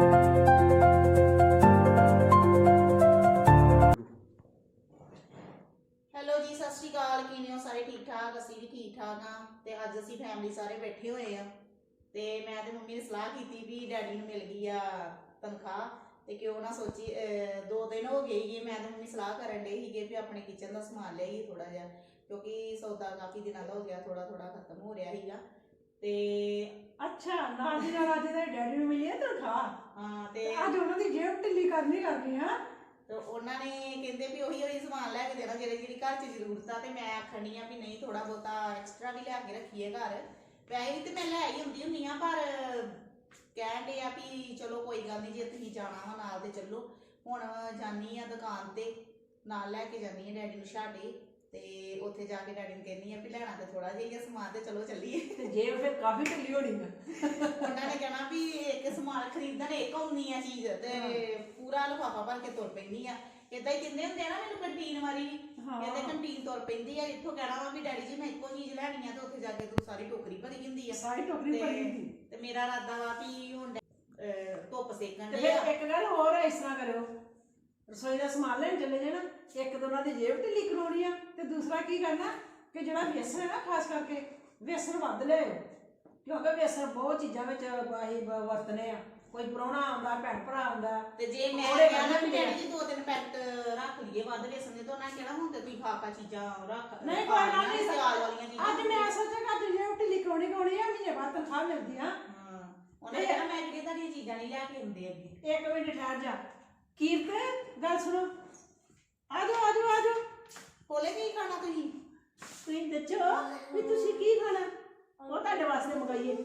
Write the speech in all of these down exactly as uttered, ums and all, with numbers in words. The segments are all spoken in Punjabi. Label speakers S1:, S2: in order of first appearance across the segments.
S1: ਹੈਲੋ ਜੀ, ਸਤਿ ਸ਼੍ਰੀ ਅਕਾਲ। ਕਿਵੇਂ ਹੋ ਸਾਰੇ? ਠੀਕ ਠਾਕ? ਅਸੀਂ ਵੀ ਠੀਕ ਠਾਕ ਹਾਂ। ਤੇ ਅੱਜ ਅਸੀਂ ਫੈਮਿਲੀ ਸਾਰੇ ਬੈਠੇ ਹੋਏ ਆ ਤੇ ਮੈਂ ਤੇ ਮੰਮੀ ਨੇ ਸਲਾਹ ਕੀਤੀ ਵੀ ਡੈਡੀ ਨੂੰ ਮਿਲ ਗਈ ਆ ਤਨਖਾਹ ਤੇ ਕਿਉਂ ਨਾ ਸੋਚੀ ਦੋ ਦਿਨ ਹੋ ਗਏ ਸੀਗੇ ਮੈਂ ਤੇ ਮੰਮੀ ਸਲਾਹ ਕਰਨ ਡਏ ਸੀਗੇ ਵੀ ਆਪਣੇ ਕਿਚਨ ਦਾ ਸਮਾਨ ਲਿਆਈਏ ਥੋੜਾ ਜਿਹਾ, ਕਿਉਂਕਿ ਸੌਦਾ ਕਾਫੀ ਦਿਨਾਂ ਦਾ ਹੋ ਗਿਆ, ਥੋੜਾ ਥੋੜਾ ਖਤਮ ਹੋ ਰਿਹਾ ਸੀਗਾ। ਤੇ
S2: ਅੱਛਾ, ਨਾਲ ਦੀ ਨਾਲ ਅੱਜ ਦੇ ਡੈਡੀ ਨੂੰ ਮਿਲੀ ਹੈ ਤਨਖਾਹ।
S1: ਹਾਂ, ਤੇ
S2: ਅੱਜ ਉਹਨਾਂ ਦੀ ਜੇਬ ਢਿੱਲੀ ਕਰਨੀ ਕਰਨੀ ਆ।
S1: ਤੇ ਉਹਨਾਂ ਨੇ ਕਹਿੰਦੇ ਵੀ ਉਹੀ ਉਹੀ ਸਮਾਨ ਲੈ ਕੇ ਦੇਣਾ ਜਿਹੜੇ ਜਿਹੜੀ ਘਰ 'ਚ ਜ਼ਰੂਰਤ ਆ। ਤੇ ਮੈਂ ਆਖਣੀ ਆ ਵੀ ਨਹੀਂ, ਥੋੜਾ ਬਹੁਤਾ ਐਕਸਟਰਾ ਵੀ ਲਿਆ ਕੇ ਰੱਖੀਏ ਘਰ। ਵੈਸੇ ਵੀ ਤੇ ਮੈਂ ਲੈ ਹੀ ਹੁੰਦੀ ਹੁੰਦੀ ਆ, ਪਰ ਕਹਿਣ ਡੇ ਆ ਵੀ ਚਲੋ ਕੋਈ ਗੱਲ ਨਹੀਂ, ਜੇ ਤੁਸੀਂ ਜਾਣਾ ਵਾ ਨਾਲ ਤੇ ਚੱਲੋ। ਹੁਣ ਜਾਨੀ ਆ ਦੁਕਾਨ ਤੇ, ਨਾਲ ਲੈ ਕੇ ਜਾਨੀ ਆ ਡੈਡੀ ਨੂੰ ਛਾਟੇ, ਤੇ ਉੱਥੇ ਜਾ ਕੇ ਡੈਡੀ ਨੂੰ ਕਹਿੰਦੀ ਆ ਵੀ ਲੈਣਾ ਤੇ ਥੋੜਾ ਜਿਹਾ ਸਮਾਨ ਤੇ ਚਲੋ ਚੱਲੀਏ।
S2: ਤੇ ਜੇਬ ਫਿਰ ਕਾਫੀ ਢਿੱਲੀ ਹੋਣੀ ਆ।
S1: ਉਹਨਾਂ ਨੇ ਕਹਿਣਾ ਵੀ ਇੱਕ ਸਮਾਨ ਖਰੀਦਣ ਇੱਕ ਆਉਣੀ ਆ ਚੀਜ਼ ਤੇ ਪੂਰਾ ਲਿਫਾਫਾ ਭਰ ਕੇ ਤੁਰ ਪੈਂਦੀ ਆ। ਏਦਾਂ ਹੀ ਕਹਿੰਦੇ ਹੁੰਦੇ ਆ ਨਾ ਮੈਨੂੰ ਕੰਟੀਨ ਵਾਲੀ, ਕਹਿੰਦੇ ਕੰਟੀਨ ਤੁਰ ਪੈਂਦੀ ਆ। ਇੱਥੋਂ ਕਹਿਣਾ ਵਾ ਵੀ ਡੈਡੀ ਜੀ ਮੈਂ ਇੱਕੋ ਚੀਜ਼ ਲੈਣੀ ਆ ਤੇ ਉੱਥੇ ਜਾ ਕੇ ਤੂੰ ਸਾਰੀ ਟੋਕਰੀ ਭਰੀ ਹੁੰਦੀ ਆ।
S2: ਸਾਰੀ ਟੋਕਰੀ ਭਰੀ ਹੁੰਦੀ।
S1: ਤੇ ਮੇਰਾ ਇਰਾਦਾ ਵਾ ਵੀ ਹੁਣ ਧੁੱਪ ਸੇਕਣ
S2: ਤੇ
S1: ਦੇ ਆ।
S2: ਫਿਰ ਇੱਕ ਗੱਲ ਹੋਰ ਹੈ, ਇਸ ਤਰ੍ਹਾਂ ਕਰਿਓ, ਰਸੋਈ ਦਾ ਸਮਾਨ ਲੈਣ ਚੱਲੇ ਜਾਣਾ, ਇੱਕ ਤਾਂ ਉਹਨਾਂ ਦੀ ਜੇਬ ਢਿੱਲੀ ਕਰਾਉਣੀ ਆ, ਤੇ ਦੂਸਰਾ ਕੀ ਕਰਨਾ ਕਿ ਜਿਹੜਾ ਵੇਸਣ ਹੈ ਨਾ, ਖਾਸ ਕਰਕੇ ਵੇਸਣ ਵੱਧ ਲਿਆਓ, ਕਿਉਂਕਿ ਵੇਸਣ ਬਹੁਤ ਚੀਜ਼ਾਂ ਵਿੱਚ ਅਸੀਂ ਵਰਤਨੇ ਆ। ਕੋਈ ਪ੍ਰਾਹੁਣਾ ਆਉਂਦਾ, ਭੈਣ ਭਰਾ ਆਉਂਦਾ,
S1: ਤੇ ਜੇ ਮੈਂ ਕਹਿਣਾ ਵੀ ਡੈਡੀ ਜੀ ਦੋ ਤਿੰਨ ਪੈਕਟ ਰੱਖ ਲਈਏ ਵੱਧ ਵੇਸਣ ਦੇ, ਤਾਂ ਉਹਨਾਂ ਨੇ ਕਹਿਣਾ ਹੁਣ ਤੇ ਤੁਸੀਂ ਖਾ ਖਾ ਚੀਜ਼ਾਂ ਰੱਖ
S2: ਨਹੀਂ ਕੋਈ ਗੱਲ ਨਹੀਂ,
S1: ਸਿਆਲ ਵਾਲੀਆਂ ਚੀਜ਼ਾਂ।
S2: ਅੱਜ ਮੈਂ ਸੋਚਿਆ ਕਿ ਅੱਜ ਜੇਬ ਢਿੱਲੀ ਕਰਾਉਣੀ ਕਰਾਉਣੀ ਆ, ਮਹੀਨੇ ਬਾਅਦ ਤਨਖਾਹ ਮਿਲਦੀ ਆ।
S1: ਉਹਨਾਂ ਨੇ ਕਹਿਣਾ ਮੈਂ ਕਿਹੜੀਆਂ ਤੁਹਾਡੀਆਂ ਚੀਜ਼ਾਂ ਨਹੀਂ ਲੈ ਕੇ ਆਉਂਦੇ ਅੱਗੇ।
S2: ਇੱਕ ਮਿੰਟ ਠਹਿਰ ਜਾ ਕੀਰਤ, ਗੱਲ ਸੁਣੋ, ਆਜੋ ਆਜੋ ਆਜੋ।
S1: ਕੋਲੇ ਕੀ ਖਾਣਾ ਤੁਸੀਂ?
S2: ਤੁਸੀਂ ਦੱਸੋ ਵੀ ਤੁਸੀਂ ਕੀ ਖਾਣਾ, ਉਹ ਤੁਹਾਡੇ ਵਾਸਤੇ ਮੰਗਾਈਏ।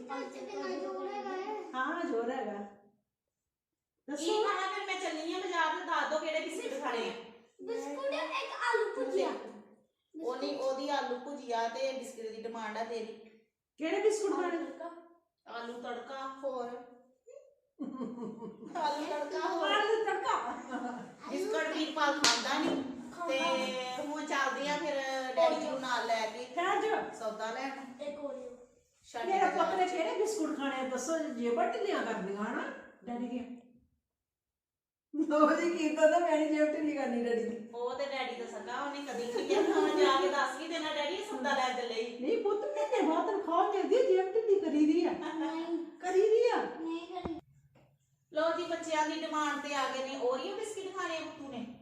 S2: ਹਾਂ ਜ਼ੋਰ ਹੈਗਾ,
S1: ਕੀ
S2: ਦੱਸੋ।
S1: ਖਾਣਾ? ਫਿਰ ਮੈਂ ਚੱਲੀ ਆ ਬਾਜ਼ਾਰ ਤੇ ਦੱਸ ਦੋ ਕਿਹੜੇ ਬਿਸਕੁਟ ਖਾਣੇ ਆ।
S3: ਬਿਸਕੁਟ ਇੱਕ ਆਲੂ ਭੁਜੀਆ।
S1: ਉਹਨੀ ਉਹਦੀ ਆਲੂ ਭੁਜੀਆ ਤੇ ਬਿਸਕੁਟ ਦੀ ਡਿਮਾਂਡ ਆ ਤੇਰੀ।
S2: ਕਿਹੜੇ ਬਿਸਕੁਟ ਖਾਣੇ?
S1: ਆਲੂ ਤੜਕਾ ਹੋਰ ਆਲੂ ਤੜਕਾ ਹੋਰ
S2: ਆਲੂ ਤੜਕਾ।
S1: ਬਿਸਕੁਟ ਵੀ ਪਾਲ ਖਾਂਦਾ ਨਹੀਂ ਤੇ ਹੁਣ ਚੱਲਦੇ ਆ ਫਿਰ ਡੈਡੀ ਜੀ ਨੂੰ ਨਾਲ ਲੈ ਕੇ
S2: ਠਹਿਰ ਜਾ,
S1: ਸੌਦਾ ਲੈਣ।
S3: ਇੱਕ ਓਰੀਓ।
S2: ਮੇਰੇ ਪੁੱਤ ਨੇ ਕਿਹੜੇ ਬਿਸਕੁਟ ਖਾਣੇ ਦੱਸੋ, ਜੇਬਾਂ ਢਿੱਲੀਆਂ ਕਰਦੀਆਂ ਹਨਾ ਡੈਡੀ ਦੀਆਂ। ਲੋ ਜੀ ਕੀਤਾ ਤਾਂ ਮੈਂ ਨਹੀਂ ਜੇਬ ਢਿੱਲੀ ਕਰਨੀ ਡੈਡੀ ਦੀ।
S1: ਉਹ ਤੇ ਡੈਡੀ ਦਾ ਸੱਗਾ, ਉਹਨੇ ਕਦੀ ਨਹੀਂ ਕਿਹਾ ਹੁਣ ਜਾ ਕੇ ਦੱਸ ਵੀ ਦੇਣਾ ਡੈਡੀ ਸੌਦਾ ਲੈ ਚੱਲੇ।
S2: ਨਹੀਂ ਪੁੱਤ, ਮਹੀਨੇ ਬਾਅਦ ਤਨਖਾਹ ਮਿਲਦੀ ਹੈ, ਜੇਬ ਢਿੱਲੀ ਕਰੀ ਦੀ ਆ।
S3: ਨਹੀਂ
S2: ਕਰੀ ਦੀ ਆ।
S3: ਨਹੀਂ ਕਰੀ।
S1: ਲੋ ਜੀ, ਬੱਚਿਆਂ ਦੀ ਡਿਮਾਂਡ ਤੇ ਆ ਗਏ ਨੇ ਓਰੀਓ ਬਿਸਕਿਟ ਖਾਣੇ ਬੁੱਤੂ ਨੇ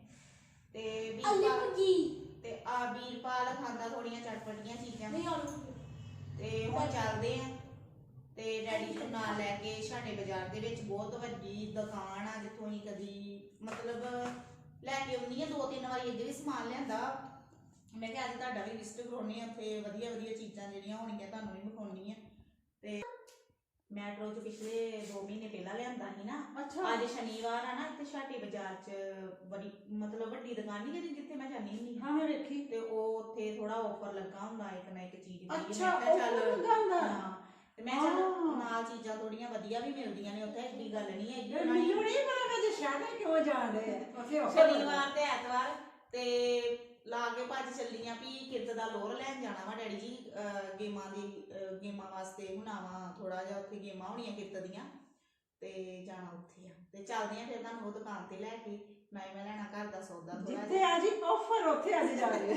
S1: ਤੇ
S3: ਆਲੂ
S1: ਵੀਰਪਾਲ
S3: ਭੁਜੀ।
S1: ਤੇ ਆ ਵੀਰਪਾਲ ਖਾਂਦਾ ਥੋੜੀਆਂ ਚਟਪਟੀਆਂ ਚੀਜ਼ਾਂ।
S3: ਨਹੀਂ ਆਲੂ।
S1: ਤੇ ਹੁਣ ਚੱਲਦੇ ਆ ਤੇ ਡੈਡੀ ਨੂੰ ਨਾਲ ਲੈ ਕੇ ਸਾਡੇ ਬਾਜ਼ਾਰ ਦੇ ਵਿੱਚ ਬਹੁਤ ਵੱਡੀ ਦੁਕਾਨ ਆ ਜਿੱਥੋਂ ਅਸੀਂ ਕਦੀ ਮਤਲਬ ਲੈ ਕੇ ਆਉਂਦੀ ਆ, ਦੋ ਤਿੰਨ ਵਾਰੀ ਅੱਗੇ ਵੀ ਸਮਾਨ ਲਿਆਂਦਾ। ਮੈਂ ਕਿਹਾ ਅੱਜ ਤੁਹਾਡਾ ਵੀ ਵਿਜ਼ਿਟ ਕਰਾਉਣੀ ਆ, ਉੱਥੇ ਵਧੀਆ ਵਧੀਆ ਚੀਜ਼ਾਂ ਜਿਹੜੀਆਂ ਹੋਣਗੀਆਂ ਤੁਹਾਨੂੰ ਵੀ ਵਿਖਾਉਣੀ ਆ। ਤੇ ਮੈਟਰੋ ਚ ਪਿਛਲੇ ਦੋ ਮਹੀਨੇ ਪਹਿਲਾਂ ਲਿਆਂਦਾ ਸੀ ਨਾ।
S2: ਅੱਛਾ,
S1: ਅੱਜ ਸ਼ਨੀਵਾਰ ਆ ਨਾ, ਇੱਥੇ ਛਾਟੀ ਬਾਜ਼ਾਰ ਚ ਬੜੀ ਮਤਲਬ ਵੱਡੀ ਦੁਕਾਨ ਨਹੀਂ ਜਿਹੜੀ ਜਿੱਥੇ ਮੈਂ ਜਾਂਦੀ ਹੁੰਦੀ
S2: ਹਾਂ ਮੈਂ ਵੇਖੀ।
S1: ਤੇ ਉਹ ਉੱਥੇ ਥੋੜਾ ਆਫਰ ਲੱਗਾ ਹੁੰਦਾ, ਇੱਕ ਨਾ ਇੱਕ ਚੀਜ਼ ਦੀ।
S2: ਅੱਛਾ, offer ਲੱਗਾ ਹੁੰਦਾ।
S1: ਹਾਂ, ਤੇ ਮੈਂ ਚੱਲ ਨਾਲ ਚੀਜ਼ਾਂ ਥੋੜੀਆਂ ਵਧੀਆ ਵੀ ਮਿਲਦੀਆਂ ਨੇ ਉੱਥੇ, ਐਡੀ ਗੱਲ ਨਹੀਂ ਹੈਗੀ।
S2: ਮੈਨੂੰ ਨਹੀਂ ਪਤਾ ਕਿ ਸ਼ਾਟੇ ਕਿਉਂ ਜਾਣਦੇ ਉੱਥੇ offer
S1: ਸ਼ਨੀਵਾਰ ਤੇ ਐਤਵਾਰ ਤੇ ਲਾ ਕੇ ਭੱਜ ਚੱਲੀਆਂ ਵੀ ਕਿਰਤ ਦਾ ਲੋਰ ਲੈਣ ਜਾਣਾ ਵਾ ਡੈਡੀ ਜੀ, ਗੇਮਾਂ ਦੀ ਗੇਮਾਂ ਵਾਸਤੇ ਹੁਣਾਵਾ ਥੋੜਾ ਜਿਹਾ ਉੱਥੇ ਗੇਮਾਂ ਹੋਣੀਆਂ ਕਿਰਤ ਦੀਆਂ ਤੇ ਜਾਣਾ ਉੱਥੇ ਆ। ਤੇ ਚੱਲਦੇ ਆ ਫਿਰ ਤੁਹਾਨੂੰ ਉਹ ਦੁਕਾਨ ਤੇ ਲੈ ਕੇ, ਮੈਂ ਮੈਂ ਲੈਣਾ ਘਰ ਦਾ ਸੌਦਾ ਥੋੜਾ
S2: ਜਿੱਥੇ ਆ ਜੀ ਆਫਰ ਉੱਥੇ ਅੱਜ ਜਾ ਰਹੇ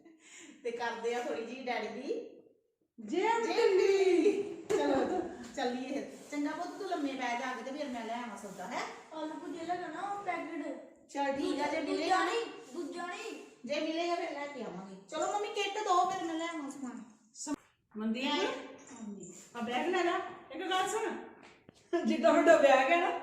S1: ਤੇ ਕਰਦੇ ਆ ਥੋੜੀ ਜੀ ਡੈਡੀ ਦੀ
S2: ਜੇਬ ਢਿੱਲੀ।
S1: ਚਲੋ ਚੱਲੀਏ। ਚੰਗਾ ਪੁੱਤ, ਤੂੰ ਲੰਮੇ ਪੈ ਜਾ ਕੇ ਤੇ ਫਿਰ ਮੈਂ ਲੈ ਆਵਾਂ ਸੌਦਾ। ਹੈ
S3: ਆਲੂ ਭੁਜੀਆ ਲੈਣਾ ਨਾ, ਉਹ ਪੈਕਟ।
S1: ਚਲ ਠੀਕ ਆ, ਜੇ ਮਿਲੇਗਾ
S3: ਦੂਜਾ ਨਹੀਂ, ਦੂਜਾ ਨਹੀਂ।
S1: ਜੇ ਮਿਲੇਗਾ ਫਿਰ ਲੈ ਕੇ ਆਵਾਂਗੇ। ਚਲੋ ਮੰਮੀ ਕਿੱਟ ਦੋ ਫਿਰ ਮੈਂ ਲੈ ਆਵਾਂ ਸਮਾਨ।
S2: ਮੰਦੀ
S1: ਹਾਂਜੀ,
S2: ਆ ਬੈਗ ਲੈ ਲੈ। ਇੱਕ ਗੱਲ ਸੁਣ, ਜਿੱਡਾ ਵੱਡਾ ਬੈਗ ਹੈ ਨਾ,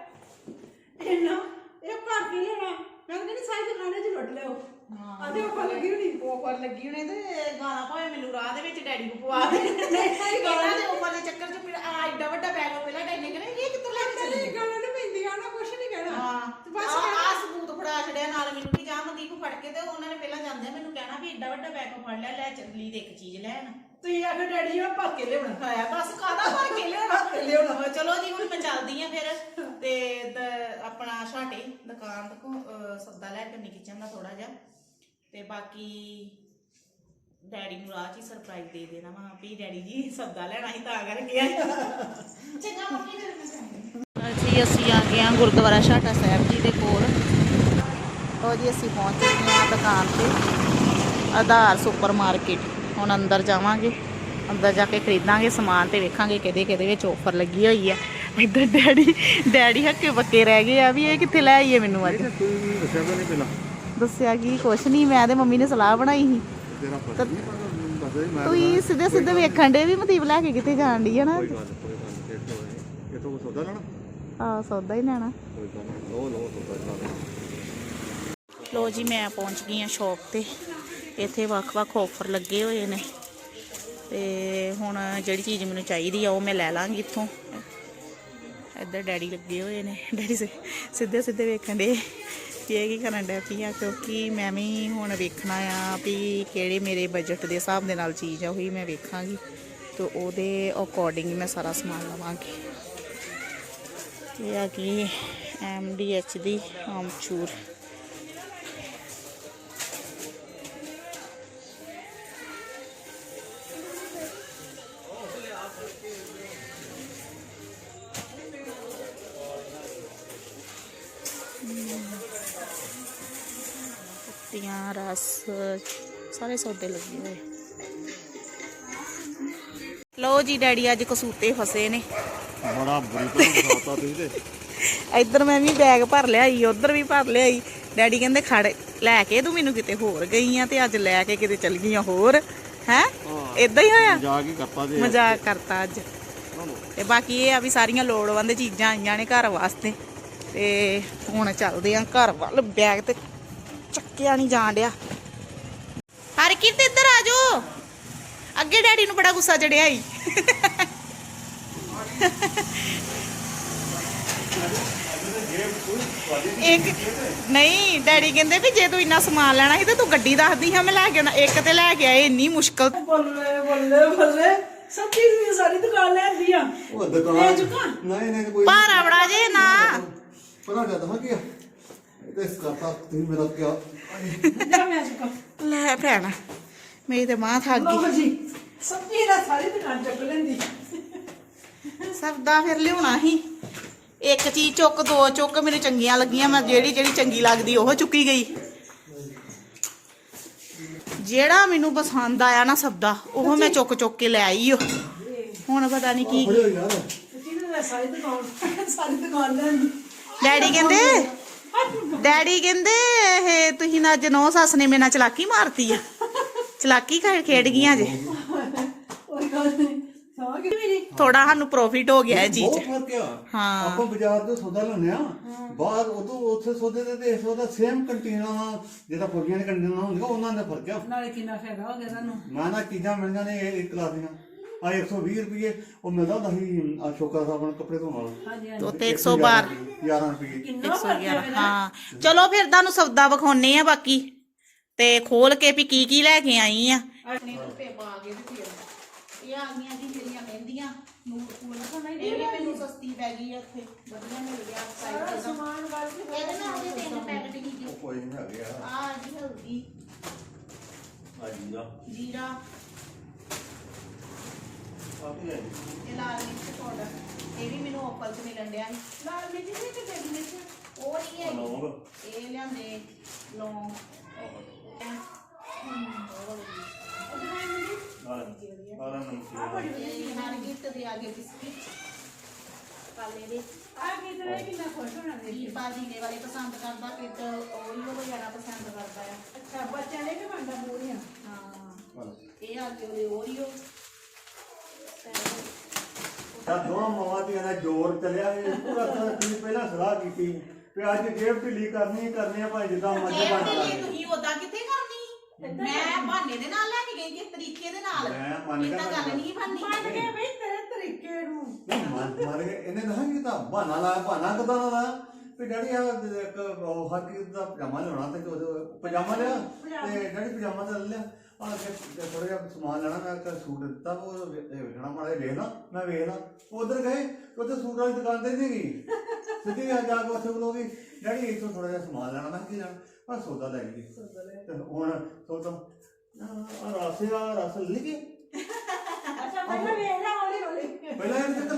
S2: ਇੰਨਾ ਇਹ ਭਰ ਕੇ ਲੈਣਾ। ਮੈਂ ਕਹਿੰਦੀ ਸਾਰੀ ਦੁਕਾਨਾਂ 'ਚ ਲੁੱਟ ਲਿਓ।
S1: ਹਾਂ,
S2: ਅਤੇ ਉੱਪਰ ਲੱਗੀ ਹੋਣੀ,
S1: ਉੱਪਰ ਲੱਗੀ ਹੋਣੀ ਤੇ ਗਾਣਾ ਭਾਵੇਂ ਮੈਨੂੰ ਰਾਹ ਦੇ ਵਿੱਚ ਡੈਡੀ ਨੂੰ ਪਵਾ ਦੇ।
S2: ਨਹੀਂ
S1: ਗਾਣਾ ਦੇ ਉੱਪਰ ਦੇ ਚੱਕਰ 'ਚ ਮੇਰਾ ਆ ਐਡਾ ਵੱਡਾ ਬੈਗ ਪਹਿਲਾਂ ਡੈਡੀ ਨੇ ਕਹਿੰਦਾ ਇਹ ਕਿੱਥੋਂ ਲੈ ਕੇ ਚੱਲੀ?
S2: ਗਾਣਾ ਨਹੀਂ ਪੈਂਦੀਆਂ ਨਾ, ਕੁਛ ਨਹੀਂ ਕਹਿਣਾ।
S1: ਹਾਂ,
S2: ਬਸ
S1: ਆ ਸਬੂਤ ਫੜਾ ਛੜਿਆ ਨਾਲ ਮੈਨੂੰ ਕਿ ਜਾ ਮਨਦੀਪ ਫੜ ਕੇ, ਤੇ ਉਹਨਾਂ ਨੇ ਪਹਿਲਾਂ ਜਾਂਦੇ ਮੈਨੂੰ ਕਹਿਣਾ ਵੀ ਐਡਾ ਵੱਡਾ ਬੈਗ ਫੜ ਲਿਆ, ਲੈ ਚੱਲੀ ਤੇ ਇੱਕ ਚੀਜ਼ ਲੈਣ।
S2: ਤੁਸੀਂ ਆਖੋ ਡੈਡੀ ਜੀ ਭਰ ਕੇ ਲਿਆਉਣਾ
S1: ਹੈ ਬਸ ਕਾਹਦਾ ਭਰ ਕੇ ਲਿਆਉਣਾ ਲਿਆਉਣਾ। ਚਲੋ ਜੀ, ਹੁਣ ਮੈਂ ਚੱਲਦੀ ਆ ਫਿਰ ਤੇ ਆਪਣਾ ਛਾਟੇ ਦੁਕਾਨ ਤੋਂ ਸੌਦਾ ਲੈ ਕੇ ਕਿਚਨ ਦਾ ਥੋੜਾ ਜਿਹਾ, ਤੇ ਬਾਕੀ ਡੈਡੀ ਨੂੰ ਰਾਹ 'ਚ ਹੀ ਸਰਪ੍ਰਾਈਜ਼ ਦੇ ਦੇਣਾ ਵਾ ਵੀ ਡੈਡੀ ਜੀ ਸੌਦਾ ਲੈਣਾ ਸੀ ਤਾਂ ਕਰਕੇ। ਚੰਗਾ ਮੰਮੀ, ਫਿਰ ਮੈਂ ਜੀ ਅਸੀਂ ਆ ਗਏ ਹਾਂ ਗੁਰਦੁਆਰਾ ਛਾਟਾ ਸਾਹਿਬ ਜੀ ਦੇ ਕੋਲ। ਉਹ ਜੀ ਅਸੀਂ ਪਹੁੰਚ ਚੁੱਕੇ ਹਾਂ ਦੁਕਾਨ ਤੇ, ਆਧਾਰ ਸੁਪਰ ਮਾਰਕੀਟ। ਹੁਣ ਅੰਦਰ ਜਾਵਾਂਗੇ, ਅੰਦਰ ਜਾ ਕੇ ਖਰੀਦਾਂਗੇ ਸਮਾਨ ਤੇ ਵੇਖਾਂਗੇ ਕਿਹਦੇ ਕਿਹਦੇ ਵਿੱਚ ਆਫਰ ਲੱਗੀ ਹੋਈ ਆ। ਇੱਧਰ ਡੈਡੀ ਡੈਡੀ ਹੱਕੇ ਬੱਕੇ ਰਹਿ ਗਏ ਆ ਵੀ ਇਹ ਕਿੱਥੇ ਲੈ ਆਈਏ ਮੈਨੂੰ ਅੱਜ। ਦੱਸਿਆ ਕੀ ਕੁਛ ਨਹੀਂ, ਮੈਂ ਤੇ ਮੰਮੀ ਨੇ ਸਲਾਹ ਬਣਾਈ ਸੀ। ਤੁਸੀਂ ਸਿੱਧੇ ਸਿੱਧੇ ਵੇਖਣ ਦੇ ਵੀ ਮਤੀਬ ਲੈ ਕੇ ਕਿੱਥੇ ਜਾਣ ਦੀ ਹੈ ਨਾ। ਆ ਸੌਦਾ ਹੀ ਲੈਣਾ। ਲੋ ਜੀ ਮੈਂ ਪਹੁੰਚ ਗਈ ਹਾਂ ਸ਼ੌਪ ਤੇ। ਇੱਥੇ ਵੱਖ-ਵੱਖ ਆਫਰ ਲੱਗੇ ਹੋਏ ਨੇ ਤੇ ਹੁਣ ਜਿਹੜੀ ਚੀਜ਼ ਮੈਨੂੰ ਚਾਹੀਦੀ ਆ ਉਹ ਮੈਂ ਲੈ ਲਾਂਗੀ ਇੱਥੋਂ। ਇੱਧਰ ਡੈਡੀ ਲੱਗੇ ਹੋਏ ਨੇ, ਡੈਡੀ ਸਿੱਧੇ ਸਿੱਧੇ ਵੇਖਣ ਦੇ ਵੀ ਇਹ ਕੀ ਕਰਨ ਡਿਆ ਪਈ ਆ, ਕਿਉਂਕਿ ਮੈਂ ਵੀ ਹੁਣ ਵੇਖਣਾ ਆ ਵੀ ਕਿਹੜੇ ਮੇਰੇ ਬਜਟ ਦੇ ਹਿਸਾਬ ਦੇ ਨਾਲ ਚੀਜ਼ ਆ ਉਹੀ ਮੈਂ ਵੇਖਾਂਗੀ ਤੇ ਉਹਦੇ ਅਕੋਰਡਿੰਗ ਮੈਂ ਸਾਰਾ ਸਮਾਨ ਲਵਾਂਗੀ। ਇਹ ਆ ਕਿ ਐਮ ਡੀ ਐਚ ਦੀ ਆਮਚੂਰ। ਪੱਤੀਆਂ, ਰਸ, ਸਾਰੇ ਸੌਦੇ ਲੱਗੇ ਹੋਏ। ਲਓ ਜੀ ਡੈਡੀ ਅੱਜ ਕਸੂਤੇ ਫਸੇ ਨੇ।
S4: ਬੜਾ ਬੁਰੀ ਤਰ੍ਹਾਂ ਫਸਾਤਾ ਤੁਸੀਂ ਤੇ।
S1: ਇੱਧਰ ਮੈਂ ਵੀ ਬੈਗ ਭਰ ਲਿਆਈ, ਉੱਧਰ ਵੀ ਭਰ ਲਿਆਈ। ਡੈਡੀ ਕਹਿੰਦੇ ਖੜ ਲੈ ਕੇ ਤੂੰ ਮੈਨੂੰ ਕਿਤੇ ਹੋਰ ਗਈ ਆ ਤੇ ਅੱਜ ਲੈ ਕੇ ਕਿਤੇ ਚਲ ਗਈਆਂ ਹੋਰ ਹੈ। ਇਦਾਂ ਹੀ ਹੋਇਆ,
S4: ਮਜ਼ਾਕ ਹੀ ਕਰਤਾ ਜੇ।
S1: ਮਜ਼ਾਕ ਕਰਤਾ ਅੱਜ। ਤੇ ਬਾਕੀ ਇਹ ਆ ਵੀ ਸਾਰੀਆਂ ਲੋੜਵੰਦ ਚੀਜ਼ਾਂ ਆਈਆਂ ਨੇ ਘਰ ਵਾਸਤੇ ਤੇ ਹੁਣ ਚੱਲਦੇ ਆ ਘਰ ਵੱਲ। ਬੈਗ ਤੇ ਚੱਕਿਆ ਨਹੀਂ ਜਾਣ ਡਿਆ। ਹਰ ਕੀ ਤੇ ਇੱਧਰ ਆ ਜਾਓ। ਅੱਗੇ ਡੈਡੀ ਨੂੰ ਬੜਾ ਗੁੱਸਾ ਚੜਿਆ ਈ। ਇੱਕ ਨਹੀਂ ਡੈਡੀ ਕਹਿੰਦੇ ਵੀ ਜੇ ਤੂੰ ਇੰਨਾ ਸਮਾਨ ਲੈਣਾ ਸੀ ਤੇ ਤੂੰ ਗੱਡੀ ਦੱਸਦੀ ਹਾਂ ਮੈਂ ਲੈ ਕੇ ਆਉਣਾ। ਇੱਕ ਤੇ ਲੈ ਕੇ ਆਏ ਇੰਨੀ ਮੁਸ਼ਕਲ।
S2: ਬੱਲੇ ਬੱਲੇ ਬੱਲੇ ਸਭ ਚੀਜ਼ ਸਾਰੀ ਦੁਕਾਨ ਲੈ ਆਂਦੀ ਆ।
S4: ਉਹ ਦੁਕਾਨ
S2: ਲੈ ਚੁੱਕਾ
S4: ਨਹੀਂ ਨਹੀਂ ਕੋਈ
S1: ਭਾਰਾ ਬੜਾ ਜੇ ਨਾ
S4: ਪਰਾਂ ਜਾ ਦਮਾ ਕੀ ਤੇ ਇਸ ਕਰਤਾ ਤੁਸੀਂ ਮੇਰਾ ਕਿਆ
S2: ਜਾ ਮੈਂ ਚੁੱਕਾ।
S1: ਲੈ ਭੈਣ ਮੇਰੀ ਤੇ ਮਾਂ ਥੱਕ
S2: ਲਓ
S1: ਗਈ।
S2: ਜੀ ਸਬਜ਼ੀ ਦਾ ਸਾਰੀ ਦੁਕਾਨ ਚੁੱਕ ਲੈਂਦੀ।
S1: ਸਭ ਦਾ ਫਿਰ ਲਿਆਉਣਾ ਸੀ। ਇੱਕ ਚੀਜ਼ ਚੁੱਕ ਦੋ ਚੁੱਕ ਮੈਨੂੰ ਚੰਗੀਆਂ ਲੱਗੀਆਂ, ਮੈਂ ਜਿਹੜੀ ਜਿਹੜੀ ਚੰਗੀ ਲੱਗਦੀ ਉਹ ਚੁੱਕੀ ਗਈ। ਜਿਹੜਾ ਮੈਨੂੰ ਪਸੰਦ ਆਇਆ ਨਾ ਸਬਦਾ ਉਹ ਮੈਂ ਚੁੱਕ ਚੁੱਕ ਕੇ ਲੈ ਆਈ। ਹੁਣ ਪਤਾ ਨਹੀਂ ਕੀ
S4: ਬੜੇ ਯਾਰ
S2: ਸਾਰੀ ਦੁਕਾਨ ਸਾਰੀ ਦੁਕਾਨ ਲੈਂਦੀ।
S1: ਡੈਡੀ ਕਹਿੰਦੇ ਡੈਡੀ ਕਹਿੰਦੇ ਇਹ ਤੁਸੀਂ ਨਾ ਅੱਜ ਨੌ ਸੱਸ ਨੇ ਮੇਰੇ ਨਾਲ ਚਲਾਕੀ ਮਾਰਤੀ ਆ। ਚਲਾਕੀ ਖੇਡ ਗਈਆਂ ਜੇ।
S2: ਕੋਈ ਗੱਲ ਨਹੀਂ ਸਮਝ ਗਈ ਮੇਰੀ।
S1: ਥੋੜਾ ਸਾਨੂੰ ਪ੍ਰੋਫਿਟ ਹੋ ਗਿਆ ਇਹ ਚੀਜ਼
S4: ਬਹੁਤ
S1: ਚ।
S4: ਫਰਕ ਆ।
S1: ਹਾਂ
S4: ਆਪਾਂ ਬਾਜ਼ਾਰ ਤੋਂ ਸੌਦਾ ਲੈਂਦੇ ਆ ਬਾਹਰ ਉਦੋਂ ਉੱਥੇ ਸੌਦੇ ਦੇ ਤੇ ਇਸ ਉਹਦਾ ਸੇਮ ਕੰਟੀਨਾਂ ਜਿਹੜਾ ਫੁਰਗੀਆਂ ਦੇ ਕੰਟੀਨਾਂ ਹੁੰਦੀਆਂ ਉਹਨਾਂ ਦਾ ਫਰਕ ਆ।
S2: ਨਾਲੇ ਕਿੰਨਾ ਫਾਇਦਾ ਹੋ ਗਿਆ ਤੁਹਾਨੂੰ।
S4: ਮੈਂ ਨਾ ਚੀਜ਼ਾਂ ਮਿਲੀਆਂ ਨੇ ਇਹ ਇੱਕ ਕਲਾਸ ਦੀਆਂ ਆ ਇੱਕ ਸੌ ਵੀਹ ਰੁਪਏ ਉਹ ਮਿਲਦਾ ਹੁੰਦਾ ਸੀ ਆ ਸ਼ੋਕਾ ਸਾਹਿਬ ਨੂੰ ਕੱਪੜੇ ਧੋਣ ਵਾਲਾ।
S2: ਹਾਂਜੀ
S1: ਤੋ ਤੇ ਇੱਕ ਸੌ ਬਾਰਾਂ
S4: ਗਿਆਰਾਂ ਰੁਪਏ।
S2: ਕਿੰਨਾ ਫਰਕ ਹੈ।
S1: ਹਾਂ ਚਲੋ ਫਿਰ ਤੁਹਾਨੂੰ ਸੌਦਾ ਵਿਖਾਉਣੇ ਆ ਬਾਕੀ ਤੇ ਖੋਲ ਕੇ ਵੀ ਕੀ ਕੀ ਲੈ ਕੇ ਆਈ ਆ। ਇਹ ਆ ਗਈਆਂ ਜੀ ਮੇਰੀਆਂ ਮਹਿੰਦੀਆਂ ਨੂਰ ਫੂਲ। ਇਹ ਵੀ ਮੈਨੂੰ ਸਸਤੀ ਪੈ ਗਈ ਆ ਇੱਥੇ, ਵਧੀਆ ਮਿਲ ਗਿਆ ਸਾਈਜ਼ ਦਾ ਸਮਾਨ। ਇਹਦੇ ਨਾਲ ਉਹਦੇ ਤਿੰਨ ਪੈਕਟ ਹੀ ਜੀ।
S4: ਕੋਈ ਨਹੀਂ ਹੈਗੇ ਆ
S1: ਆ ਜੀ ਹਲਦੀ,
S4: ਆ ਜੀਰਾ
S1: ਜੀਰਾ,
S4: ਆ ਕੀ ਹੈ
S1: ਤੇ ਲਾਲ ਮਿਰਚ ਪਾਊਡਰ। ਇਹ ਵੀ ਮੈਨੂੰ ਆਫਰ 'ਚ ਮਿਲਣ ਡਿਆ ਸੀ। ਲਾਲ ਮਿਰਚ ਨਹੀਂ ਤੇ ਡੇਢ ਮਿਰਚ ਉਹ ਨਹੀਂ ਹੈ।
S4: ਲੌਂਗ
S1: ਇਹ ਲਿਆਂਦੇ ਲੌਂਗ।
S4: ਸਾਰਾ ਨਮਕੀਨ
S1: ਹਰ ਗਿਫਟ ਦੇ ਆਗੇ ਬਿਸਕਿਟ ਕਾਲੇ ਦੇ।
S2: ਆ ਕਿਧਰੇ ਕਿੰਨਾ ਖੁਸ਼ ਹੋਣਾ ਦੇ।
S1: ਵੀਰਪਾਲ ਜੀਨੇ ਵਾਲੇ ਪਸੰਦ ਕਰਦਾ, ਕਿਟ ਓਰੀਓ ਵਗੈਰਾ ਪਸੰਦ ਕਰਦਾ ਆ।
S2: ਅੱਛਾ ਬੱਚਿਆਂ ਨੇ ਵੀ ਬਣਦਾ ਪੂਰੀਆਂ।
S1: ਹਾਂ ਇਹ ਆ ਗਏ ਓਰੀਓ।
S4: ਤਾਂ ਦੋਵਾਂ ਮਾਵਾਂ ਧੀਆਂ ਦਾ ਜ਼ੋਰ ਚੱਲਿਆ ਇਹ ਪੂਰਾ ਸਾਰਾ ਤੁਸੀਂ ਪਹਿਲਾਂ ਸਲਾਹ ਕੀਤੀ ਵੀ ਅੱਜ ਜੇਬ ਢਿੱਲੀ ਕਰਨੀ ਕਰਨੀ ਆ ਭਾਈ ਜਿੱਦਾਂ ਮਰਜ਼ੀ
S1: ਇਹ
S4: ਬਣ
S1: ਤੇ
S4: ਜਾਵੇ।
S1: ਤੁਸੀਂ ਉਦਾਂ ਕਿੱਥੇ ਕਰਨੀ? ਮੈਂ ਬਹਾਨੇ ਦੇ ਨਾਲ ਲੈ ਕੇ ਗਈ ਕਿਸ ਤਰੀਕੇ ਦੇ ਨਾਲ।
S4: ਮੈਂ ਮੰਨ
S1: ਇਹ
S4: ਗਿਆ
S1: ਤਾਂ ਗੱਲ ਨਹੀਂ ਬਣਨੀ।
S2: ਮੰਨ ਗਏ ਬਈ ਤੇਰੇ ਤਰੀਕੇ ਨੂੰ।
S4: ਨਹੀਂ ਮਨ ਮਾਰ ਕੇ ਇਹਨੇ ਦੱਸਾਂ ਕਿ ਤਾਂ ਬਹਾਨਾ ਲਾਇਆ ਬਹਾਨਾ ਕਿਦਾਂ ਦਾ ਲਾਇਆ ਵੀ ਡੈਡੀ ਆ ਇੱਕ ਉਹ ਹਰ ਕਿਸੇ ਦਾ ਪਜਾਮਾ ਲਿਆਉਣਾ ਤੇ ਉਹਦੇ ਪਜਾਮਾ ਲਿਆ ਤੇ ਡੈਡੀ ਪਜਾਮਾ ਤਾਂ ਲੈ ਲਿਆ ਆ ਕੇ ਥੋੜਾ ਜਿਹਾ ਸਮਾਨ ਲੈਣਾ ਮੈਂ ਇੱਕ ਸੂਟ ਦਿੱਤਾ ਉਹ ਵੇਖਣਾ ਮਾੜਾ ਜਿਹਾ ਵੇਖਣਾ ਮੈਂ ਵੇਖਣਾ ਉਧਰ ਗਏ ਉੱਥੇ ਸੂਟ ਵਾਲੀ ਦੁਕਾਨ ਤੇ ਨਹੀਂ ਗਈ ਸਿੱਧੀ ਆ ਜਾ ਕੇ ਉੱਥੇ ਬੋਲੋਗੀ ਡੈਡੀ ਇੱਥੋਂ ਥੋੜਾ ਜਿਹਾ ਸਮਾਨ ਲੈਣਾ ਮੈਂ ਕੀ ਲੈਣਾ ਮੈਂ ਸੌਦਾ ਲੈ ਗਈ ਤੇ ਹੁਣ ਸੋਚਾਂ ਆ ਰਸ ਆ ਰਸ ਲੈ ਗਏ
S2: ਅੱਛਾ ਪਹਿਲਾਂ ਵੇਖ ਲੈ ਹੌਲੀ ਹੌਲੀ।
S4: ਪਹਿਲਾਂ ਇਹ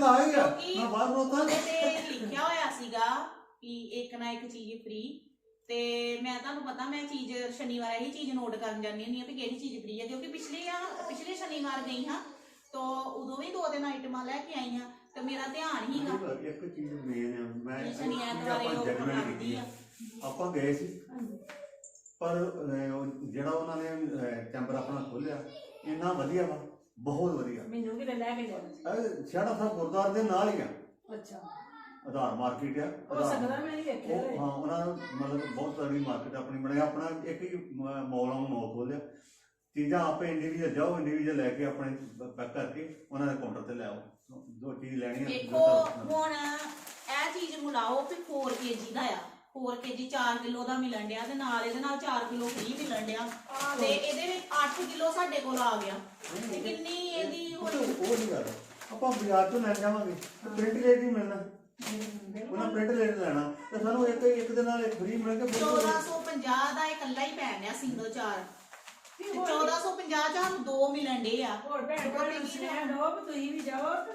S4: ਲਾ ਹੀ ਆ
S1: ਕਿਉਂਕਿ
S4: ਮੈਂ ਬਾਹਰ ਨੂੰ ਤਾਂ
S1: ਉਹਦੇ ਤੇ ਲਿਖਿਆ ਹੋਇਆ ਸੀਗਾ ਕਿ ਇੱਕ ਨਾ ਇੱਕ ਚੀਜ਼ ਫ੍ਰੀ। ਤੇ ਮੈਂ ਤੁਹਾਨੂੰ ਪਤਾ ਮੈਂ ਚੀਜ਼ ਸ਼ਨੀਵਾਰ ਇਹੀ ਚੀਜ਼ ਨੋਟ ਕਰਨ ਜਾਂਦੀ ਹੁੰਦੀ ਆ ਵੀ ਕਿਹੜੀ ਚੀਜ਼ ਫ੍ਰੀ ਹੈ, ਕਿਉਂਕਿ ਪਿਛਲੇ ਆ ਪਿਛਲੇ ਸ਼ਨੀਵਾਰ ਗਈ ਹਾਂ ਤਾਂ ਉਦੋਂ ਵੀ ਦੋ ਦਿਨ ਆਈਟਮਾਂ ਲੈ ਕੇ ਆਈ ਹਾਂ ਤੇ ਮੇਰਾ ਧਿਆਨ ਹੀਗਾ
S4: ਇੱਕ ਚੀਜ਼ ਮੇਨ ਆ ਮੈਂ
S1: ਸ਼ਨੀ ਐਤਵਾਰ
S4: ਆਪਾਂ
S1: ਉਹ
S4: ਜਜਮੈਂਟ
S1: ਆਉਂਦੀ
S4: ਕੀਤੀ
S1: ਆ।
S4: ਆਪਾਂ ਗਏ ਸੀ ਪਰ ਅਹ, ਉਹ ਜਿਹੜਾ ਉਹਨਾਂ ਨੇ ਚੈਂਬਰ ਆਪਣਾ ਖੋਲਿਆ ਇੰਨਾ ਵਧੀਆ ਵਾ, ਬਹੁਤ ਵਧੀਆ।
S2: ਮੈਨੂੰ ਵੀ ਲੈ ਕੇ ਜਾਣਾ।
S4: ਇਹ ਛੇੜਾ ਸਾਹਿਬ ਗੁਰਦੁਆਰੇ ਦੇ ਨਾਲ ਹੀ ਆ,
S2: ਅੱਛਾ
S4: ਆਧਾਰ ਮਾਰਕੀਟ ਆ
S2: ਹੋ
S4: ਆਧਾਰ-
S2: ਸਕਦਾ ਮੈਂ ਨਹੀਂ ਵੇਖਿਆ
S4: ਉਹ-
S2: ਹੋਵੇ।
S4: ਹਾਂ ਉਹਨਾਂ ਨੇ ਮਤਲਬ ਬਹੁਤ ਸਾਰੀ ਮਾਰਕੀਟ ਆਪਣੀ ਬਣਾਈ, ਆਪਣਾ ਇੱਕ ਹੀ ਮੌਲਾਂ ਨੂੰ ਮੌਲ ਖੋਲਿਆ। ਚੀਜ਼ਾਂ ਆਪੇ ਇੰਡੀਵਿਜੂਅਲ ਜਾਓ, ਇੰਡੀਵਿਜੂਅਲ ਲੈ ਕੇ ਆਪਣੇ ਪੈਕ ਕਰਕੇ ਉਹਨਾਂ ਦੇ ਕਾਊਂਟਰ ਤੇ ਲੈ ਆਓ, ਜੋ ਚੀਜ਼ ਲੈਣੀ ਹੈ।
S1: ਦੇਖੋ ਹੁਣ ਇਹ ਚੀਜ਼ ਨੂੰ ਲਾਓ ਵੀ ਚਾਰ ਕੇਜੀ ਦਾ ਆ, ਚਾਰ ਕੇਜੀ ਚਾਰ ਕਿਲੋ ਦਾ ਮਿਲਣ ਡਿਆ ਤੇ ਨਾਲ ਇਹਦੇ ਨਾਲ ਚਾਰ ਕਿਲੋ ਫ੍ਰੀ ਮਿਲਣ ਡਿਆ ਤੇ ਇਹਦੇ ਵਿੱਚ ਅੱਠ ਕਿਲੋ ਸਾਡੇ ਕੋਲ ਆ ਗਿਆ ਤੇ ਕਿੰਨੀ ਇਹਦੀ
S4: ਉਹ
S1: ਹੋਈ?
S4: ਉਹ ਨਹੀਂ ਗੱਲ, ਆਪਾਂ ਬਾਜ਼ਾਰ ਤੋਂ ਲੈ ਜਾਵਾਂਗੇ ਪ੍ਰਿੰਟ ਰੇਟ ਹੀ ਮਿਲਣਾ, ਉਹਨਾਂ ਪ੍ਰਿੰਟ ਰੇਟ ਲੈਣਾ ਤੇ ਸਾਨੂੰ ਇੱਕ ਇੱਕ ਦੇ ਨਾਲ ਇੱਕ ਫ੍ਰੀ ਮਿਲ ਕੇ
S1: ਚੌਦਾਂ ਸੌ ਪੰਜਾਹ ਦਾ ਇਕੱਲਾ ਹੀ ਪੈਣ ਡਿਆ ਸਿੰਗਲ ਚਾਰ ਤੇ ਚੌਦਾਂ ਸੌ ਪੰਜਾਹ ਚ ਸਾਨੂੰ ਦੋ ਮਿਲਣ ਡੇ ਆ।
S2: ਹੋਰ ਭੈਣ ਭਰਾ ਨੂੰ ਸੁਨੇਹਾ ਦਿਓ ਵੀ ਤੁਸੀਂ ਵੀ ਜਾਓ ਤੇ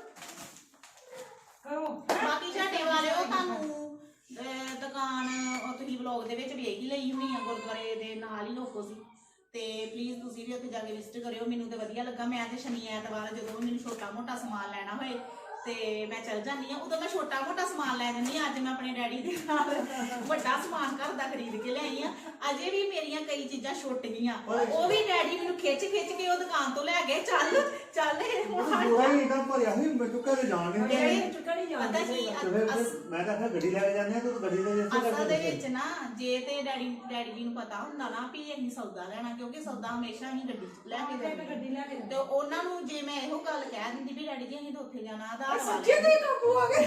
S2: ਕਰੋ।
S1: ਬਾਕੀ ਝਾਟੇ ਵਾਲਿਓ ਤੁਹਾਨੂੰ ਅਹ, ਦੁਕਾਨ ਉਹ ਤੁਸੀਂ ਵਲੌਗ ਦੇ ਵਿੱਚ ਵੇਖ ਹੀ ਲਈ ਹੋਣੀ ਆ, ਗੁਰਦੁਆਰੇ ਦੇ ਨਾਲ ਹੀ ਲੋਕੋ ਸੀ ਤੇ ਪਲੀਜ਼ ਤੁਸੀਂ ਵੀ ਉੱਥੇ ਜਾ ਕੇ ਵਿਜ਼ਿਟ ਕਰਿਓ। ਮੈਨੂੰ ਤੇ ਵਧੀਆ ਲੱਗਾ, ਮੈਂ ਤੇ ਸ਼ਨੀ ਐਤਵਾਰ ਜਦੋਂ ਵੀ ਮੈਨੂੰ ਛੋਟਾ ਮੋਟਾ ਸਮਾਨ ਲੈਣਾ ਹੋਏ ਤੇ ਮੈਂ ਚਲ ਜਾਂਦੀ ਆ, ਉਦੋਂ ਮੈਂ ਛੋਟਾ ਮੋਟਾ ਸਮਾਨ ਲੈ ਜਾਂਦੀ ਆ। ਅੱਜ ਮੈਂ ਆਪਣੇ ਡੈਡੀ ਦੇ ਨਾਲ ਵੱਡਾ ਸਮਾਨ ਘਰ ਦਾ ਖਰੀਦ ਕੇ ਲਿਆਈ ਆ। ਅਜੇ ਵੀ ਮੇਰੀਆਂ ਕਈ ਚੀਜ਼ਾਂ ਛੁੱਟ ਗਈਆਂ, ਉਹ ਵੀ ਡੈਡੀ ਮੈਨੂੰ ਖਿੱਚ ਖਿੱਚ ਕੇ ਉਹ ਦੁਕਾਨ ਤੋਂ ਲੈ ਗਏ, ਚੱਲ ਚੱਲ ਇਹ ਹੁਣ ਹਟ
S4: ਪੂਰਾ
S1: ਜਾ।
S4: ਹੀ ਇਦਾਂ ਭਰਿਆ ਸੀ ਮੈਨੂੰ ਘਰੇ ਜਾਣ ਨਹੀਂ
S1: ਇਹ
S4: ਦਿੰਦੇ।
S2: ਚੁੱਕਾ ਨਹੀਂ
S1: ਪਤਾ
S2: ਜਾਂਦਾ
S1: ਕੀ
S4: ਤੇ ਫਿਰ
S1: ਅਸ-
S4: ਫਿਰ ਮੈਂ ਤਾਂ ਆਖਿਆ ਗੱਡੀ ਲੈ ਕੇ ਜਾਂਦੇ ਆ, ਤੂੰ ਗੱਡੀ ਦੇ ਜਿੱਥੇ
S1: ਅਸਲ ਦੇ ਵਿੱਚ ਨਾ ਜੇ ਤੇ ਡੈਡੀ ਡੈਡੀ ਜੀ ਨੂੰ ਪਤਾ ਹੁੰਦਾ ਨਾ ਵੀ ਅਸੀਂ ਸੌਦਾ ਲੈਣਾ, ਕਿਉਂਕਿ ਸੌਦਾ ਹਮੇਸ਼ਾ ਅਸੀਂ ਗੱਡੀ 'ਚ ਲੈ ਕੇ ਜਾਂਦੇ
S2: ਗੱਡੀ ਲੈ ਕੇ
S1: ਤੇ ਉਹਨਾਂ ਨੂੰ ਜੇ ਮੈਂ ਇਹੋ ਗੱਲ ਕਹਿ ਦਿੰਦੀ ਵੀ ਡੈਡੀ ਜੀ ਅਸੀਂ ਤਾਂ ਉੱਥੇ ਜਾਣਾ ਆਧਾਰ
S2: ਸੱਚੇ
S1: ਵਾਲੇ
S2: ਤੇ ਕਾਬੂ ਆ ਗਏ।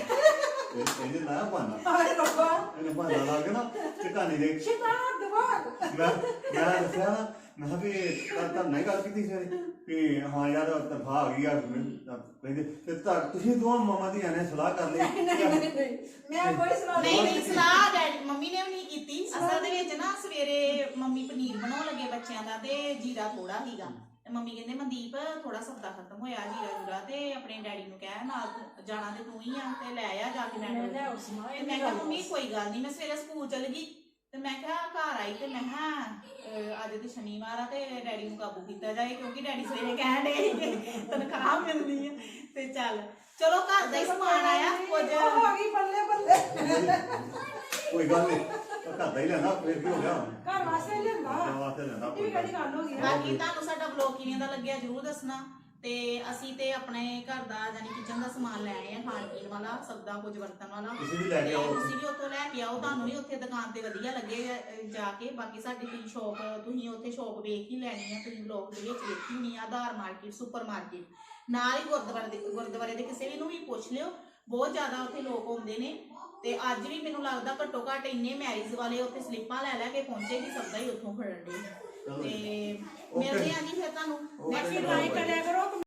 S4: ਇਹਨੇ ਲਾਇਆ ਬਹਾਨਾ,
S2: ਹਾਏ ਰੱਬਾ
S4: ਇਹਨੇ ਬਹਾਨਾ ਲਾ ਕੇ ਨਾ ਚਕਾਨੀ ਦੇ
S2: ਸ਼ੈਤਾਨ ਦਿਮਾਗ।
S4: ਮੈਂ ਮੈਂ ਦੱਸਿਆ ਨਾ ਮੈਂ ਕਿਹਾ ਵੀ ਤਾਂ ਤਾਂ ਨਹੀਂ ਗੱਲ ਕੀਤੀ ਸੀ ਕਿ ਹਾਂ ਯਾਰ ਤਨਖਾਹ ਆ ਗਈ ਆ, ਕਹਿੰਦੇ ਤੇ ਤਾਂ ਤੁਸੀਂ ਦੋਵਾਂ ਮਾਮਾ ਦੀਆਂ ਨੇ ਸਲਾਹ ਕਰ ਲਈ।
S2: ਨਹੀਂ ਨਹੀਂ ਨਹੀਂ ਮੈਂ ਕੋਈ ਸਲਾਹ
S1: ਨਹੀਂ ਨਹੀਂ ਸਲਾਹ ਡੈਡੀ ਮੰਮੀ ਨੇ ਵੀ ਨਹੀਂ ਕੀਤੀ। ਅਸਲ ਦੇ ਵਿੱਚ ਨਾ ਸਵੇਰੇ ਮੰਮੀ ਪਨੀਰ ਬਣਾਉਣ ਲੱਗੇ ਬੱਚਿਆਂ ਦਾ ਤੇ ਜੀਰਾ ਥੋੜਾ ਸੀਗਾ ਤੇ ਮੰਮੀ ਕਹਿੰਦੇ ਮਨਦੀਪ ਥੋੜਾ ਸੌਦਾ ਖਤਮ ਹੋਇਆ ਜੀਰਾ ਜੂਰਾ ਤੇ ਆਪਣੇ ਡੈਡੀ ਨੂੰ ਕਹਿ ਨਾਲ ਤੂੰ- ਜਾਣਾ ਤੇ ਤੂੰ ਹੀ ਆ ਤੇ ਲੈ ਆ ਜਾ ਕੇ
S2: ਮੈਂ
S1: ਮੈਂ
S2: ਲੈ ਉਸ ਮਾਂ
S1: ਤੇ ਮੈਂ ਕਿਹਾ ਮੰਮੀ ਕੋਈ ਗੱਲ ਨਹੀਂ। ਮੈਂ ਸਵੇਰੇ ਸਕੂਲ ਚਲ ਗਈ ਤੇ ਮੈਂ ਕਿਹਾ ਘਰ ਆਈ ਤੇ ਮੈਂ ਕਿਹਾ ਅਹ, ਅੱਜ ਤੇ ਸ਼ਨੀਵਾਰ ਆ ਤੇ ਡੈਡੀ ਨੂੰ ਕਾਬੂ ਕੀਤਾ ਜਾਏ, ਕਿਉਂਕਿ ਡੈਡੀ ਸਵੇਰੇ ਕਹਿਣ ਡੇ ਤਨਖਾਹ ਮਿਲਣੀ ਆ ਤੇ ਚੱਲ ਚਲੋ ਘਰ ਦਾ ਹੀ ਸਮਾਨ ਆਇਆ ਕੁਝ
S2: ਉਹ ਆ ਗਈ ਬੱਲੇ ਬੱਲੇ।
S4: ਕੋਈ ਗੱਲ ਨਹੀਂ, ਘਰ ਦਾ ਹੀ ਲੈਣਾ ਫਿਰ ਕੀ ਹੋ ਗਿਆ,
S2: ਘਰ ਵਾਸਤੇ ਲੈਂਦਾ
S4: ਘਰ ਵਾਸਤੇ ਲੈਣਾ
S2: ਇਹ ਵੀ
S4: ਕੋਈ
S2: ਕਿਹੜੀ ਗੱਲ ਹੋ ਗਈ।
S1: ਬਾਕੀ ਤੁਹਾਨੂੰ ਸਾਡਾ ਵਲੌਗ ਕਿਵੇਂ ਦਾ ਲੱਗਿਆ ਜਰੂਰ ਦੱਸਣਾ ਤੇ ਅਸੀਂ ਤੇ ਆਪਣੇ ਘਰ ਦਾ ਯਾਨੀ ਕਿਚਨ ਦਾ ਸਮਾਨ ਲੈ ਆਏ ਆ, ਖਾਣ ਪੀਣ ਵਾਲਾ ਸਬਦਾ ਕੁਝ ਵਰਤਣ ਵਾਲਾ।
S4: ਤੁਸੀਂ ਵੀ ਲੈ ਕੇ
S1: ਤੇ
S4: ਆਓ।
S1: ਤੁਸੀਂ ਵੀ ਉੱਥੋਂ ਲੈ ਕੇ ਆਓ, ਤੁਹਾਨੂੰ ਵੀ ਉੱਥੇ ਦੁਕਾਨ ਤੇ ਵਧੀਆ ਲੱਗੇਗਾ ਅਹ, ਜਾ ਕੇ। ਬਾਕੀ ਸਾਡੀ ਤੁਸੀਂ ਸ਼ੌਪ ਤੁਸੀਂ ਉੱਥੇ ਸ਼ੌਪ ਵੇਖ ਹੀ ਲੈਣੀ ਆ, ਤੁਸੀਂ ਵਲੌਗ ਦੇ ਵਿੱਚ ਵੇਖੀ ਹੋਣੀ ਆ। ਆਧਾਰ ਮਾਰਕੀਟ ਸੁਪਰ ਮਾਰਕੀਟ ਨਾਲ ਹੀ ਗੁਰਦੁਆਰੇ ਦੇ ਗੁਰਦੁਆਰੇ ਦੇ ਕਿਸੇ ਵੀ ਨੂੰ ਵੀ ਪੁੱਛ ਲਿਓ, ਬਹੁਤ ਜ਼ਿਆਦਾ ਉੱਥੇ ਲੋਕ ਆਉਂਦੇ ਨੇ ਤੇ ਅੱਜ ਵੀ ਮੈਨੂੰ ਲੱਗਦਾ ਘੱਟੋ ਘੱਟ ਇੰਨੇ ਮੈਰਿਜ ਵਾਲੇ ਉੱਥੇ ਸਲਿੱਪਾਂ ਲੈ ਲੈ ਕੇ ਪਹੁੰਚੇ ਕਿ ਸਬਦਾ ਹੀ ਉੱਥੋਂ ਖੜਨ ਦੇ ਤੇ ਮਿਲਦੇ ਆ ਜੀ ਫਿਰ ਤੁਹਾਨੂੰ
S4: Okay.
S1: ਨੈਕਸਟ
S2: ਲਾਈਕ ਕਰਿਆ ਕਰੋ।